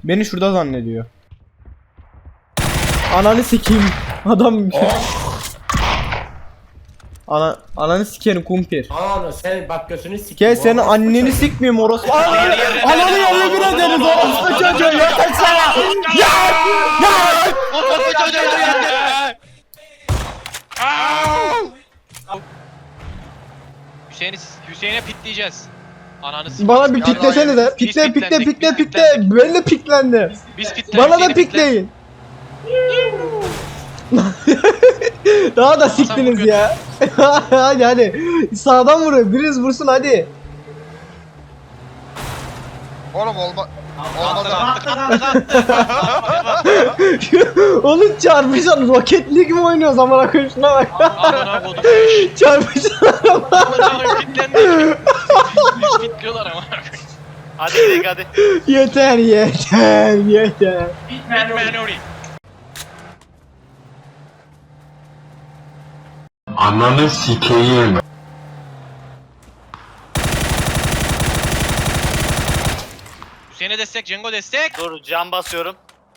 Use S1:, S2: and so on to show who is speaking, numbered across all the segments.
S1: Beni şurada zannediyor. Ananı sikeyim. Adam. Ananı sikerim kumpir.
S2: Ananı sen bak götünü sikeyim.
S1: Gel senin anneni sikmeyeyim orospu. Ananı yerine bir ederiz orospu çocuğu. Yeter sana. Ya!
S3: Orospu çocuğu yeter. Hüseyin'e pitleyeceğiz. Ananı sikeyim.
S1: Bana bir piklesenize. Pikle. Ben de piklendi.
S3: Biz pitledik.
S1: Bana da pikleyin. Daha da siktiniz ya. hadi. Sağdan vurun. Biriniz vursun hadi.
S4: Oğlum olmadı.
S1: Oğlum çarpışan Rocket League mi oynuyoruz amına koyayım şuna bak.
S3: Amına kodum.
S1: Çarpışan araba.
S3: Amına pitlendik. Biz pitliyorlar ama. Hadi gidelim hadi.
S1: Yeter.
S3: Bitman Nuri.
S5: Ananı sikeyim.
S3: Hüseyin'e destek, Cengo destek.
S6: Dur cam basıyorum.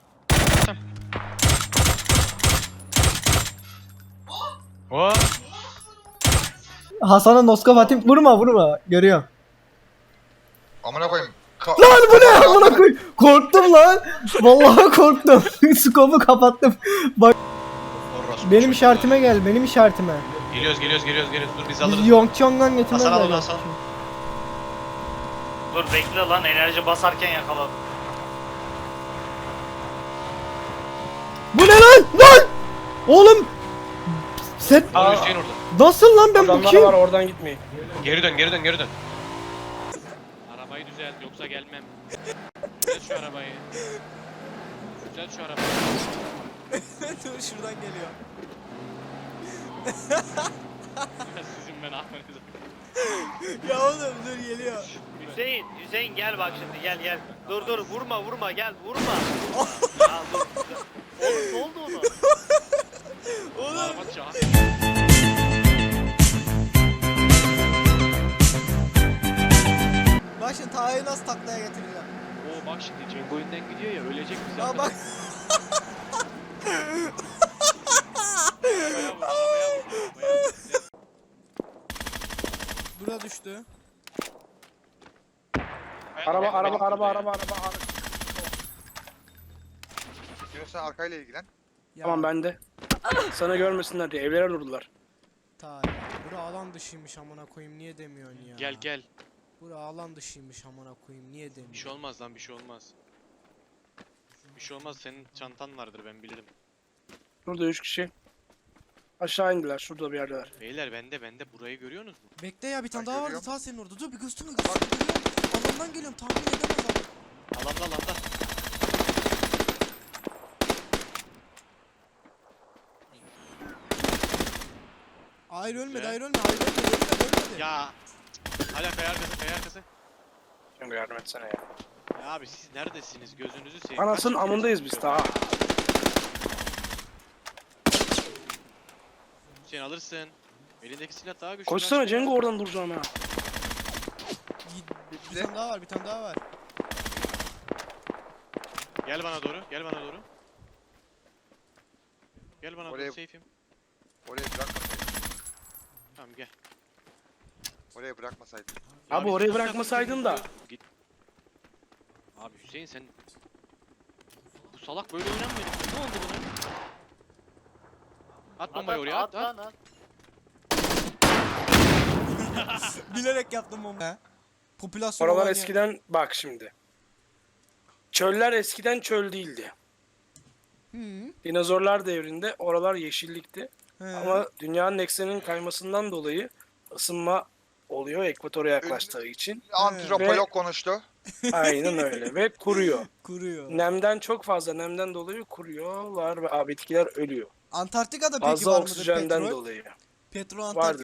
S3: O.
S1: Hasan'a noskop atayım. Vurma. Görüyorum.
S4: Amına koyayım.
S1: Lan bu ne amına koy? Korktum lan. Vallahi korktum. Skopu kapattım. Bak benim işaretime gel.
S3: Geliyoruz. Dur biz
S1: Biz
S3: alırız.
S1: Yongchong'dan getirmez
S3: Hasan al,
S1: lazım.
S3: Hasan.
S6: Dur bekle lan enerji basarken yakaladım.
S1: Bu ne lan? Lan! Oğlum! Sen
S3: Al Hüseyin orada.
S1: nasıl lan ben bu kim?
S2: oradan gitmeyin.
S3: Geri dön. Arabayı düzelt yoksa gelmem. Düzelt şu arabayı.
S7: Dur şuradan geliyor.
S3: Sizin ben Ahmet'e.
S7: Ya oğlum dur geliyor.
S6: Hüseyin gel bak şimdi gel. Dur vurma gel vurma. Ya dur. Oğlum ne oldu ona?
S7: Oğlum.
S3: Araba çağır.
S7: Bak şimdi Taha'yı nasıl taklaya getireceğim.
S3: Oo bak şimdi Cengo önden gidiyor ya ölecek bizi.
S7: Aa bak. Bura düştü.
S2: Araba.
S4: Diyorsan arkayla ilgilen.
S7: Ya,
S2: Tamam bende. Sana görmesinler diye evlere vurdular.
S7: Taha. Bura alan dışıymış amına koyayım niye demiyorsun ya.
S3: Gel.
S7: Bura alan dışıymış amına koyayım niye
S3: Bir
S7: demiyorsun.
S3: şey olmaz lan bir şey olmaz. Bir şey olmaz senin çantan vardır ben bilirim.
S2: Burada 3 kişi. Aşağı indiler. Şurada bir yerdeler.
S3: Beyler bende burayı görüyorsunuz mu?
S7: Bekle ya bir tane
S4: Ben
S7: daha vardı
S4: görüyorum.
S7: Taha senin orada. Dur bir gösterme. Alandan geliyorum tahmin edemez adam.
S3: Alanda.
S7: Hayır ölmedi
S3: Güzel.
S7: ölmedi.
S3: Ya. Hala kaya arkası.
S2: Şimdi yardım etsene ya.
S3: Ya abi siz neredesiniz gözünüzü seveyim.
S2: Anasının
S3: Kaç
S2: amındayız biz daha.
S3: Hüseyin alırsın. Elindeki silah daha güçlü.
S2: Koşsana
S3: kaç
S2: Cengo
S3: ya.
S2: oradan duracağım ha.
S7: Bir tane daha var.
S3: Gel bana doğru. Gel bana doğru
S4: Oraya-
S3: safe'im.
S4: Oraya bırakmasaydın.
S3: Tamam gel.
S4: Oraya bırakmasaydın.
S2: Abi
S3: biz
S2: orayı
S3: bu
S2: bırakmasaydın da.
S3: Git. Abi Hüseyin sen... Bu salak böyle oynanmıyor. Ne oldu buna? At bombayı oraya at.
S6: lan at.
S7: Bilerek yaptım onu. Popülasyon
S2: Oralar
S7: olan yer.
S2: eskiden bak şimdi. Çöller eskiden çöl değildi.
S7: Hı.
S2: Dinozorlar devrinde oralar yeşillikti.
S7: He.
S2: Ama dünyanın ekseninin kaymasından dolayı ısınma oluyor ekvatora yaklaştığı için.
S4: Antropolog konuştu.
S2: Aynen öyle ve kuruyor.
S7: Kuruyor.
S2: Nemden çok fazla nemden dolayı kuruyorlar ve bitkiler ölüyor.
S7: Antarktika'da peki
S2: Fazla
S7: var mıdır
S2: oksijenden
S7: petrol?
S2: dolayı.
S7: Petrol
S2: Vardır.
S7: Antarktika'da